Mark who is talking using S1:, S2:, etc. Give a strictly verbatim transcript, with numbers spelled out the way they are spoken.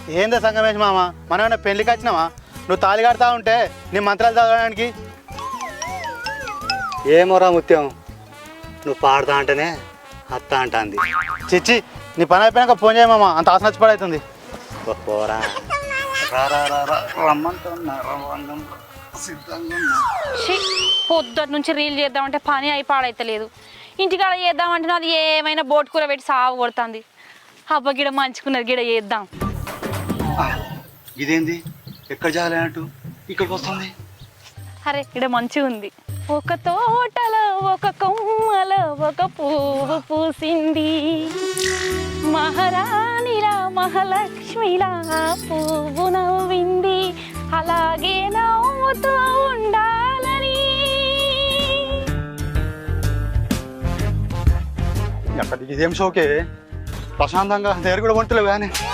S1: ఏందా సంగమేష్ మామ, మనం ఏమైనా పెళ్లికి వచ్చినావా? నువ్వు తాళి కడతా ఉంటే నీ మంత్రాలు చదవడానికి.
S2: ఏమోరా ముత్యం, నువ్వు పాడతా అంటేనే అత్త అంటాంది.
S1: చిచ్చి, నీ పని అయిపోయాక ఫోన్ చేయమామ, అంత ఆసన నచ్చిపడవుతుంది.
S2: పోరా
S3: పొద్దుటి నుంచి రీల్ చేద్దామంటే పని అయి పాడైతలేదు. ఇంటికాడ చేద్దామంటే నాది ఏమైనా బోట్ కూర పెట్టి సాగు కొడుతుంది. అబ్బ గిడ మంచుకున్నది, గిడ చేద్దాం.
S2: ఇదేంది ఎక్కడ జాలేనట్టు ఇక్కడికి వస్తుంది?
S3: అరే ఇక్కడ మంచిగా ఉంది. ఒక తోటలో ఒక కొమ్మలో ఒక పువ్వు పూసింది, మహారాణిలా మహాలక్ష్మిలా పువ్వు నవ్వింది, అలాగే నవ్వుతూ ఉండాలని.
S1: ఎక్కడికి ఇదేం షోకే, ప్రశాంతంగా దగ్గర కూడా వంటలేవు కానీ